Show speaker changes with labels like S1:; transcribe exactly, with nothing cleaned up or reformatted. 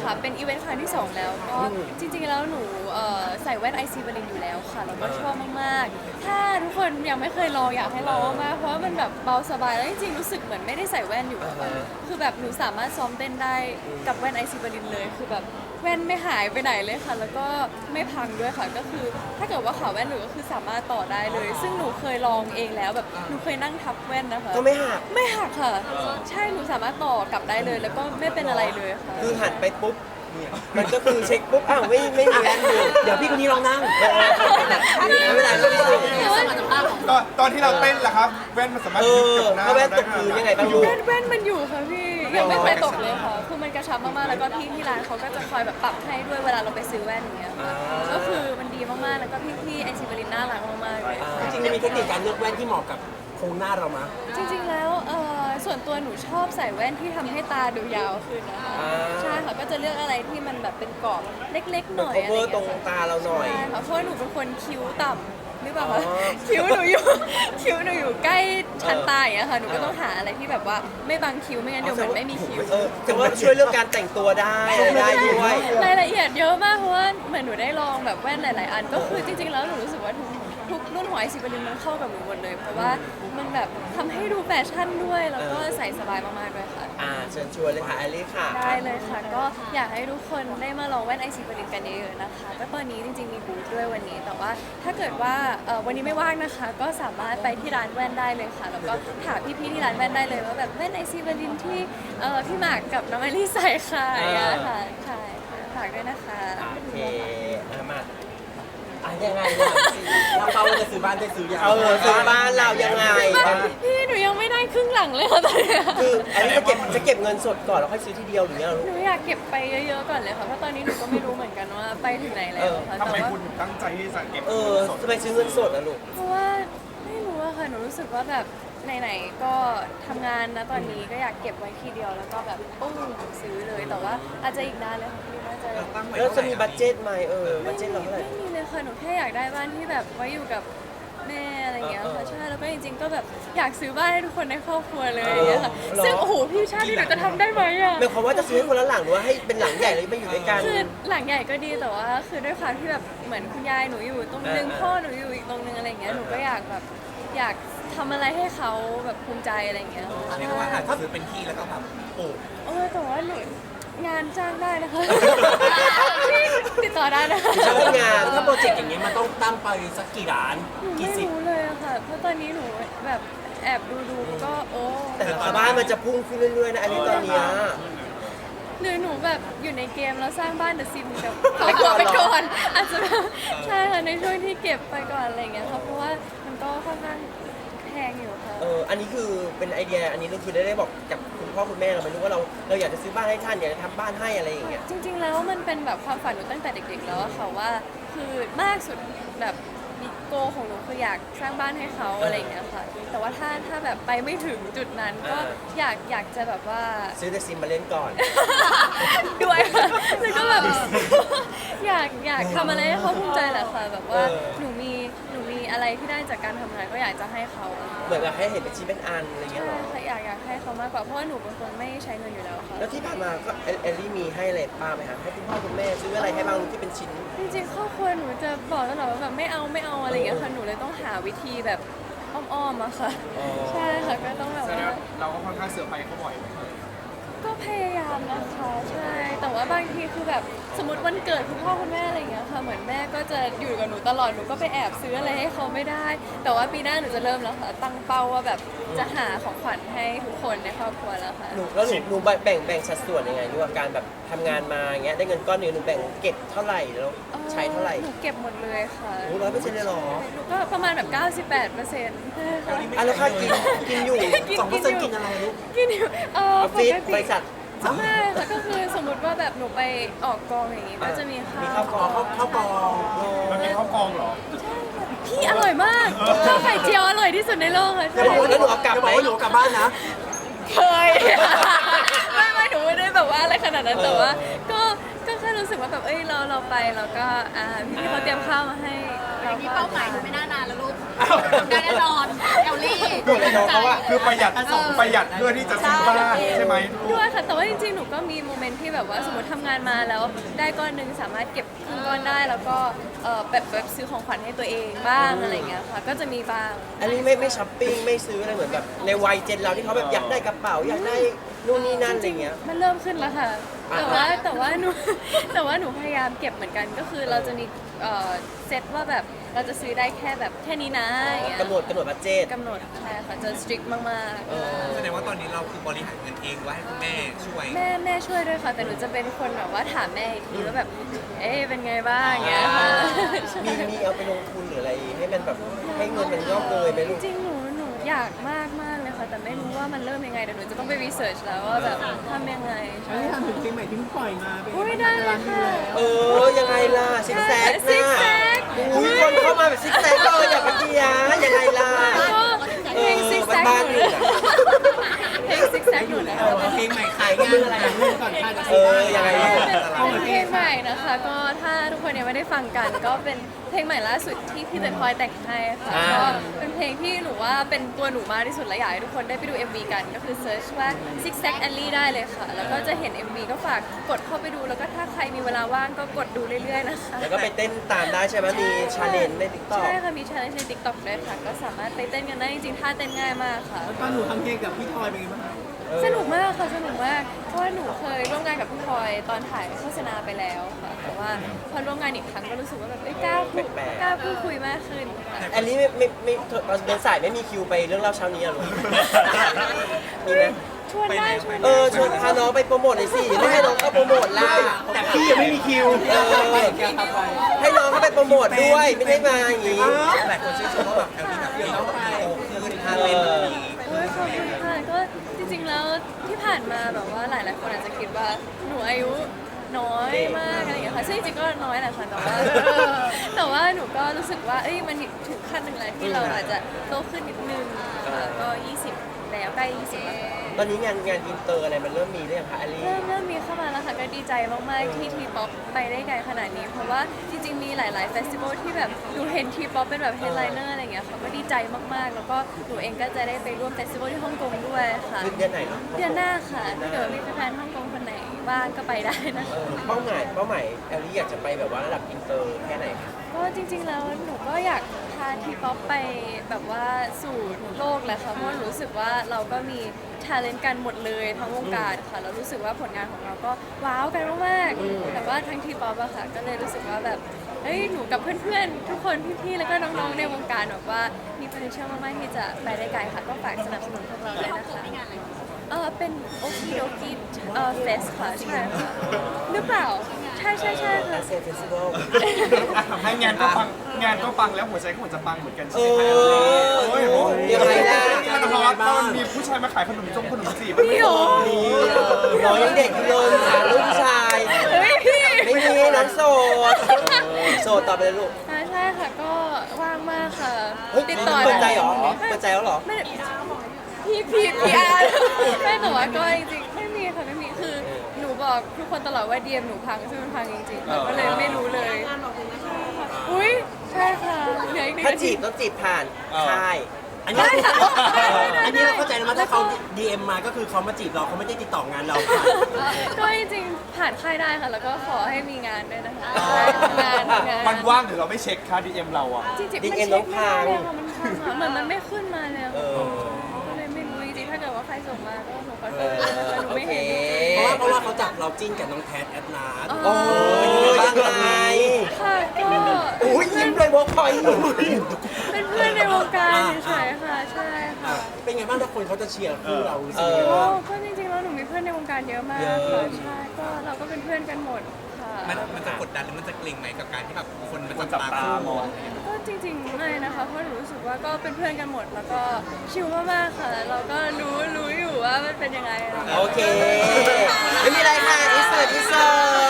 S1: ค่ะเป็นอีเวนต์ครั้งที่สองแล้วก็จริงๆแล้วหนูเอ่อใส่แว่นไอซีบรินอยู่แล้วค่ะแล้วก็ชอบมากๆถ้าทุกคนยังไม่เคยลองอยากให้ลองมากเพราะว่ามันแบบเบาสบายแล้วจริงๆรู้สึกเหมือนไม่ได้ใส่แว่นอยู่อะคือแบบหนูสามารถซ้อมเต้นได้กับแว่นไอซีบรินเลยคือแบบแว่นไม่หายไปไหนเลยค่ะแล้วก็ไม่พังด้วยค่ะก็คือถ้าเกิดว่าขาแว่นหนูก็คือสามารถต่อได้เลยซึ่งหนูเคยลองเองแล้วแบบหนูเคยนั่งทับแว่นนะคะ
S2: ก็ไม่หัก
S1: ไม่หักค่ะใช่หนูสามารถต่อกลับได้เลยแล้วก็ไม่เป็นอะไรเลยค่ะ
S2: คือหันไปปุ๊บมันก็คือเช็คปุ๊บอ้าวไม่ไม่มีแว่นอยู่
S3: เดี๋ยวพี่คนนี้ลองนั่ง
S2: ไม่เป็นไรไม่เป็นไร
S4: ตอนตอนที่เราเต้นล่ะครับแว่นมันสามารถ
S2: เอ
S4: ยึด
S2: อ
S4: กับหน้า
S2: ถ้าแว่นตกพื้นยังไงบ้างลูก
S1: แว่นแว่นมันอยู่ค่ะพี่ยังไม่เคยตกเลยค่ะคือมันกระชับมากๆแล้วก็พี่ที่ร้านเขาก็จะคอยแบบปรับให้ด้วยเวลาเราไปซื้อแว่นอย่างเงี้ยค่ะก็คือมันดีมากๆแล้วก็พี่พี่ไอซีบรินน่ารักมากๆเลย
S3: จริงๆมันมีเทคนิคการเลือกแว่นที่เหมาะกับโครงหน้าเรามั้ย
S1: จริงๆแล้วเอ่อส่วนตัวหนูชอบใส่แว่นที่ทำให้ตาดูยาวขึ้นนะคะใช่ค่ะก็จะเลือกอะไรที่มันแบบเป็นกรอบเล็กๆหน่อยอะไร
S2: cover
S1: เงี้ย
S2: ตรงตาเราหน่อย
S1: ใช่ค่ะเพราะว่าหนูเป็นคนคิ้วต่ำหรือเปล่าคะคิ้วหนูอยู่คิ้วหนูอยู่ใกล้ชั้นตาอย่างเงี้ยค่ะหนูก็ต้องหาอะไรที่แบบว่าไม่บังคิ้วไม่งั้นเดี๋ยวมันไม่มีคิ้ว
S2: เออแต่ว่าช่วยเรื่องการแต่งตัวได้ได้ด้วย
S1: รายละเอียดเยอะมากเพราะว่าเหมือนหนูได้ลองแบบแว่นหลาย ๆ อันก็คือจริง ๆ แล้วหนูรู้สึกว่าทุกทุกรุ่นของไอซีบรินมันเข้ากับหนูหมดเลยเพราะว่ามันแบบทำให้ดูแฟชั่นด้วยแล้วก็ใส่สบายมาก ๆ ด้วยค่ะ
S2: อ่าเชิญชวนเลยค่ะแอลลี่ค่ะ
S1: ได้เลยค่ะก็อยากให้ทุกคนได้มาลองแว่นไอซีบรินกันเยอะๆนะคะก็ตอนนี้จริง ๆ มีบูธด้วยวันนี้แต่ว่าถ้าเกิดว่าเอ่อวันนี้ไม่ว่างนะคะ ก็สามารถไปที่ร้านแว่นได้เลยค่ะแล้วก็ถามพี่ๆที่ร้านแว่นได้เลยว่าแบบแว่นไอซีบรินที่เอ่อพี่หมากกับน้องแอลลี่ใส่ค่ะค่ะใช่ฝากด้วยนะคะ
S2: โอเคมา
S3: อ่ะยังไงเนี่ยเราเป้าจะซื้อบ้านได้ซื้อยัง
S2: เออซื้อบ้านเรายังไง
S1: พี่หนูยังไม่ได้ครึ่งหลังเลยค่ะตอนนี้
S2: คืออันนี้จะเก็บจะเก็บเงินสดก่อนแล้วค่อยซื้อทีเดียวหรือไงลูก
S1: หนูอยากเก็บไปเยอะๆก่อนเลยค่ะเพราะตอนนี้หนูก็ไม่รู้เหมือนกันว่าไปถึงไหนแล้วค่ะ
S4: ทำไม
S1: แต่ว่า
S4: คุณถึงตั้งใจที่จะเก็บ
S2: เออทำไมซื้อเงินสดอะลูก
S1: เพราะว่าไม่รู้อะค่ะหนูรู้สึกว่าแบบไหนๆก็ทำงานนะตอนนี้ก็อยากเก็บไว้ทีเดียวแล้วก็แบบปุ้งซื้อเลยแต่ว่าอาจจะอีกนานเลยค่ะพี่น่าจะ
S2: แล้วจะมีบัตเจ็ตไหมเออบัตเจ็ตเราเท่าไหร่
S1: ไม่มีเลยค่ะหนูแค่อยากได้บ้านที่แบบไว้อยู่กับแม่อะไรเงี้ยค่ะใช่แล้วก็จริงๆก็แบบอยากซื้อบ้านให้ทุกคนในครอบครัวเลยอย่างเงี้ยค่ะซึ่งโอ้โหพี่ชาติที่หนูจะทำได้ไหมอะ
S2: หมายความว่าจะซื้อให้คนละหลังหรือว่าให้เป็นหลังใหญ่เลยไม่อยู่ด้วยกัน
S1: คือหลังใหญ่ก็ดีแต่ว่าคือด้วยความที่แบบเหมือนคุณยายหนูอยู่ตรงนึงพ่อหนูอยู่อีกตรงนึงอะไรเงี้ยหนูก็อยากแบบอยากทำอะไรให้เขาแบบภูมิใจอะไรเงี้ย
S5: เรียกว่าอาจจะซื้อเป็นที่แล้วก็แบบปลูก
S1: โอ้แต่ว่าหนูงานจ้างได้นะคะติดต่อได้นะ
S2: ชอบงาน
S3: ถ้าโปรเจกต์อย่างเงี้ยมันต้องตั้งไปสักกี่ล้าน
S1: หนู
S3: กี่
S1: ไม่
S3: สิบ
S1: รู้เลยอะค่ะเพราะตอนนี้หนูแบบแอบดูดูๆก็โอ้
S2: แต่ราคาบ้านมันจะพุ่งขึ้นเรื่อยๆนะอันนี้ตอนเนี้ย
S1: หรือหนูแบบอยู่ในเกมแล้วสร้างบ้านเดอะซิมกับครอบครัวไปก่อนอาจจะแบบใช่ค่ะในช่วงที่เก็บไปก่อนอะไรเงี้ยค่ะเพราะว่ามันก็ค่อนข้างแพงอยู่ค่ะ
S2: เอออันนี้คือเป็นไอเดียอันนี้เราคือได้ได้บอกกับคุณพ่อคุณแม่เราไม่รู้ว่าเราเราอยากจะซื้อบ้านให้ท่านอยากจะทำบ้านให้อะไรอย่างเงี้ย
S1: จริงๆแล้วมันเป็นแบบความฝันหนูตั้งแต่เด็กๆแล้วอะค่ะว่าคือมากสุดแบบมีโกของหนูคืออยากสร้างบ้านให้เขาอะไรอย่างเงี้ยค่ะแต่ว่าถ้าถ้าแบบไปไม่ถึงจุดนั้นก็อยากอยากจะแบบว่า
S2: ซื้อแต่ซิมมาเล่นก่อน
S1: ด้วยค่ะแล้วก็แบบอยากอยากทำอะไรให้เขาภูมิใจแหละค่ะแบบว่าหนูมีหนูมีอะไรที่ได้จากการทำงานก็อยากจะให้เขา
S2: เหมือนกับให้เห็นเป็นชิ้นเป็นอันอะไรเงี้ยหรอ
S1: ใช่อยากอยากให้เขามากกว่าเพราะว่าหนูเป็นคนไม่ใช้เงินอยู่แล้วค่ะ
S2: แล้วที่ผ่านมาก็เอลลี่มีให้อะไรป้าไหมคะให้คุณพ่อคุณแม่ซื้ออะไรให้บ้างที่เป็นชิ้น
S1: จริงๆครอบครัวหนูจะบอกตลอดว่าแบบไม่เอาไม่เอาอะไรอย่างเงี้ยค่ะหนูเลยต้องหาวิธีแบบอ้อมๆอะค่ะใช่ค่ะก็ต้องแบบว่า
S4: เราก็ค่อนข้างเสือไปเขาบ่อย
S1: ก็พยายามนะคะใช่แต่ว่าบางทีคือแบบสมมติวันเกิดคุณพ่อคุณแม่อะไรอย่างเงี้ยค่ะเหมือนแม่ก็จะอยู่กับหนูตลอดหนูก็ไปแอบซื้ออะไรให้เขาไม่ได้ แต่ว่าปีหน้าหนูจะเริ่มแล้วค่ะตั้งเป้าว่าแบบจะหาของขวัญให้ทุกคนในครอบครัวแล้วค่ะ
S2: หนูแล้วหนูหนูแบ่งแบ่งสัดส่วนยังไงด้วยการแบบทำงานมาอย่างเงี้ยได้เงินก้อนหนึงหนูแบ่งเก็บเท่าไหร่แล้วใช้เท่าไหร่
S1: หนูเก็บหมดเลยค่ะ
S2: โอ้ร้อยเปอร์เซ็นต์เลยเหรอ
S1: หนูก็ประมาณแบบเก้าสิบแปดเปอร์เซ็นต์
S2: อ่ะแล้วค่ากินกินอยู่
S3: สองเปอร์เซ็นต์กินอะไรลูก
S1: กินอยู่เออ
S2: ออฟฟิศบริษัท
S1: ใช่ค่ะก็คือสมมติว่าแบบหนูไปออกกองอย่างงี้ก็จะมีข้าว
S2: มีข้าวกอง
S3: ข้าวกอง
S4: มันเป็นข้าวกองเหรอ
S1: พี่อร่อยมากข้าวไข่เจียวอร่อยที่สุดในโลกค่ะ
S2: แล้วแล้วหนูเอากลับไหม
S3: หนูกลับบ้านนะ
S1: เคยไม่ไม่หนูไม่ได้แบบว่าอะไรขนาดนั้นแต่ว่าก็ก็แค่รู้สึกว่าแบบเอ้ยเราเราไปเราก็อ่าพี่เขาเตรียมข้าวมาให้เรา
S6: มีเป้าหมายไม่น่านานแล้วลูกแน่นอนเอลลี่
S2: คืออะไรน้องเขาอะ
S4: คือประหยัดประหยัดเพื่อที่จะซื้อบ้านใช่ไหม
S1: ด้วยค่ะ แต่ว่าจริงๆ หนูก็มีโมเมนต์ที่แบบว่าสมมติทำงานมาแล้วได้ก้อนหนึ่งสามารถเก็บครึ่งก้อนได้ แล้วก็เอ่อแบบแบบซื้อของขวัญให้ตัวเองบ้างอะไรเงี้ยค่ะ ก็จะมีบ้าง
S2: อันนี้ไม่ไม่ช้อปปิ้งไม่ซื้ออะไรเหมือนแบบในวัยเจนเราที่เขาแบบอยากได้กระเป๋าอยากได้นู่นนี่นั่นอะไรเงี้ย
S1: มันเริ่มขึ้นแล้วค่ะ
S2: อ่า
S1: แต่ว่าแต่ว่าหนู แต่ว่าหนูพยายามเก็บเหมือนกัน ก็คือเราจะมีเอ่อเซตว่าแบบเราจะซื้อได้แค่แบบแค่นี้นะอย่างเงี้ย
S2: กำหนดกำหนดบัตเจต
S1: กำหนดใช่ค่ะ จะ strict มาก
S2: เออ
S5: แสดงว่าตอนนี้เราคือบริหารเงินเองว่าให้คุณแม่ช่วย
S1: ๆ แม่แม่ช่วยด้วยค่ะ แต่หนูจะเป็นคนแบบว่าถามแม่อีกทีว่าแบบ เอ๊ะเป็นไงบ้างอย่างเงี้ยค่ะ
S2: มีมีเอาไปลงทุนหรืออะไรให้มันแบบให้เงินมันงอกเงยไหมลูก
S1: จริงๆ หนูหนูอยากมากมากเลยค่ะ แต่ไม่รู้ว่ามันเริ่มยังไงเดี๋ยวหนูจะต้องไปรีเสิร์ชแล้วว่าแบบทำยังไง
S3: อันนี้ทำถึงเพลงใหม่ที่เพิ่งปล่อยมาเป็น
S1: อุ้ยได้เลยค่ะ
S2: เออ ยังไงล่ะซิกแซก
S1: ซิก
S2: นะ
S1: แซก
S2: อุ้ยคนเข้ามาแบบซิกแซกเลยอย่าไปเกียร์ยังไงล่ะ
S1: ก็เพลงซิกแซก
S2: บ้านๆอยู่น่ะ
S1: เพลงซิกแซกอยู่แล้ว
S3: เพลงใหม่ขายงานอะไรเรื่องก่อนค่ายจะ
S2: เออยังไงล่ะ
S1: เป็นเพลงใหม่นะคะ ก็ถ้าทุกคนยังไม่ได้ฟังกัน ก็เป็นเพลงใหม่ล่าสุดที่พี่เตยพลอยแต่งให้ค่ะ
S2: อ่า
S1: ก็เป็นเพลงที่หนูว่าเป็นตัวหนูมากที่สุดและอยากให้ทุกคนได้ไปดู เอ็ม วี กัน ก็คือเซิร์ชว่า Zig Zag Alley ได้เลยค่ะ แล้วก็จะเห็น เอ็ม วี ก็ฝากกดเข้าไปดู แล้วก็ถ้าใครมีเวลาว่างก็กดดูเรื่อยๆนะคะ
S2: แล้วก็ไปเต้นตามได้ใช่ไหมมีชาเลนจ์ในติ๊กต็อก
S1: ใช่ค่ะ มี challenge ใน TikTok ด้วยค่ะ ก็สามารถไปเต้นกันได้จริงๆท่าเต้นง่ายมากค่ะ
S3: แล้วตอนหนูทำเพลงกับพี่ทอยเป็นไงบ้างคะ
S1: สนุกมากค่ะสนุกมาก เพราะว่าหนูเคยร่วมงานกับพี่พลอยตอนถ่ายโฆษณาไปแล้วค่ะ แต่ว่าพอร่วมงานอีกครั้งก็รู้สึกว่าแบบเอ้ยกล้าพูด
S2: แปลกๆ
S1: กล้าพูดคุยมากขึ้นค่ะ
S2: อันนี้ไม่ไม่ไม่ตอนเดินสายไม่มีคิวไปเรื่องเล่าเช้านี้อะลูกมีไหม
S1: ชวนได้ชวน
S2: เอ
S1: ได้
S2: อชวนพาน้องไปโปรโมทหน่อยสิไม่ให้น้องเข้าโปรโมทล่ะ
S3: แต่พี่ยังไม่มีคิว
S2: เออ
S3: แกทำไป
S2: ให้น้องเข้าไปโปรโมทด้วยไม่ได้มาอย่างนี้
S5: หลายคนชื่นชมว่าแบบแอลลี่แบบเก่งโตขึ้นท่าเต้นแบบนี้
S1: โอ้ยขอบคุณค่ะก็จริงๆแล้วที่ผ่านมาแบบว่าหลายๆคนอาจจะคิดว่าหนูอายุน้อยมากอะไรอย่างเงี้ยค่ะซึ่งจริงๆก็น้อยแหละค่ะแต่ว่าแต่ว่าหนูก็รู้สึกว่าเอ้ยมันถึงขั้นหนึ่งแล้วที่เราอาจจะโตขึ้นนิดนึงค่ะก็ยี่สิบแล้วใกล้ยี่สิบแล้วค่ะ
S2: ตอนนี้งานงานอินเตอร์อะไรมันเริ่มมีหรือยังคะอลี
S1: เริ่มเริ่มมีเข้ามาแล้วค่ะก็ดีใจมากๆที่ทีป๊อปไปได้ไกลขนาดนี้ เพราะว่าจริงๆมีหลายๆเฟสติวัลที่แบบหนูเห็นทีป๊อปเป็นแบบเฮดไลเนอร์อะไรอย่างเงี้ยค่ะก็ดีใจมากๆ แล้วก็หนูเองก็จะได้ไปร่วมเฟสติวัลที่ฮ่องกงด้วยค่ะ
S2: คือเดือนไหนเนาะ
S1: เดือนหน้าค่ะถ้าเกิดว่ามีแฟนๆฮ่องกงคนไหนว่างก็ไปได้นะ
S2: เออเป้าหมายเป้าหมายแอลลี่อยากจะไปแบบว่าระดับอินเตอร์แค่ไหนคะ
S1: ก็จริงๆแล้วหนูก็อยากพาทีป๊อปไปแบบว่าสู่โลกแหละค่ะเพราะรู้สึกว่าเราก็มีทาเลนต์กันหมดเลยทั้งวงการค่ะแล้วรู้สึกว่าผลงานของเราก็ว้าวกันมากๆแต่ว่าทั้งทีป๊อปอะค่ะก็เลยรู้สึกว่าแบบเฮ้ยหนูกับเพื่อนๆทุกคนพี่ๆแล้วก็น้องๆในวงการแบบว่ามี potential มากๆที่จะไปได้ไกลค่ะก็ฝากสนับสนุนพวกเราด้วยนะคะเออเป็นโอคิโดกิเออเฟสค่ะใช่ค่ะหรือเปล่าใช่ใช่ใช่ค่ะ
S2: อาเซียนเฟสติวัล
S4: ให้งานก็ปังงานก็ปังแล้วหัวใจก็เหมือนจะปังเหมือนกัน
S2: เอ
S4: ใช่ไหม
S2: อ
S4: โอ้ยโอ้ย
S2: ยังไงล่ะ
S4: มันฮอตตอนมีผู้ชายมาขายขนมจงขนมจีบ
S1: พี่โห
S2: น้องยังเด็กอยู่เลยหาลูกชาย
S1: เฮ้ยพี่
S2: ไม่มีน้องโสดโสดต่อไปเลยลูก
S1: อ่าใช่ค่ะก็ว่างมากค่ะ
S2: เฮ้ย
S1: ติดต่อ
S2: เปิดใจเหรอ
S1: ได้
S2: เปิดใจแล้วเหรอ
S1: ไม่พี่พี่พี่อาร์ไม่แต่ว่าก็จริงๆไม่มีค่ะไม่มีคือหนูบอกทุกคนตลอดว่าเดียมหนูพังซึ่งมันพังจริงๆค่ะก็เลยไม่รู้เลยอุ้ยใช่ค่ะเหลืออีกหนึ่ง
S2: ถ้า
S1: นา
S2: จี
S1: ที
S2: บต้องจีบผ่านค่าย
S3: อันนี้
S1: ได้ค่ะได้ได้ได้
S3: อันนี้เราเข้าใจแล้วมั้ยถ้าเขา ดี เอ็ม มาก็คือเขามาจีบเราเขาไม่ได้ติดต่องานเราค่ะ
S1: ก็จริงๆผ่านค่ายได้ค่ะ แล้วก็ขอให้มีงานด้วยนะคะทำงานทำงาน
S4: มันว่างหรือเราไม่เช็คค่า ดี เอ็ม เราอ่ะ
S1: จริงๆ
S2: ดี
S1: มัน
S2: เอ็ม
S1: เช็ค
S2: น้
S1: ไม่
S2: อง
S1: ได้
S2: พัง
S1: เลยค่ะมันพังอะเหมือนมันไม่ขึ้นมาเลยอะ
S2: เออ
S1: ก็เลยไม่รู้จริงๆถ้าเกิดว่าใครส่งมาก็หนูขอโท
S2: เอ
S1: ษ
S2: อ
S1: นะคะหนู
S2: โอ
S1: ไม่
S2: เค
S1: เห็น
S3: เพราะว่าเพราะว่าเขาจับเราจิ้นกับน้องแพทแอดนาร์
S2: โอ้ยยังไง
S1: ค่ะก็
S2: อุ้ยยิ้มเลยบอกคอยหนู
S1: เป็นเพื่อนในวงการเฉยๆค่ะ ใช่ค่ะ
S3: เป็นไงบ้างถ้าคนเขาจะเชียร์คู่เรารู้สึก
S2: เอ
S3: ยังไง
S2: อ
S1: โอ้
S3: บ้าง
S1: ก็จริงๆแล้วหนูมีเพื่อนในวงการเยอะมาก
S2: เยอะ
S1: ค่ะใช่ก็เราก็เป็นเพื่อนกันหมดค่ะ
S5: มันมันจะกดดันหรือมันจะเกรงไหมกับการที่แบบคนมัน
S4: คน
S5: จั
S4: จั
S5: บบ ตา
S4: ตา
S5: คู่
S4: มอง
S1: ก็จริงๆไม่นะคะเพราะหนูรู้สึกว่าก็เป็นเพื่อนกันหมด แล้วก็ชิลมากๆค่ะเราก็รู้รู้อยู่ว่ามันเป็นยังไงอะไรอย่างเงี้ย
S2: โอเค ไม่มีอะไรค่ะอิสเซอร์อิสเซอร์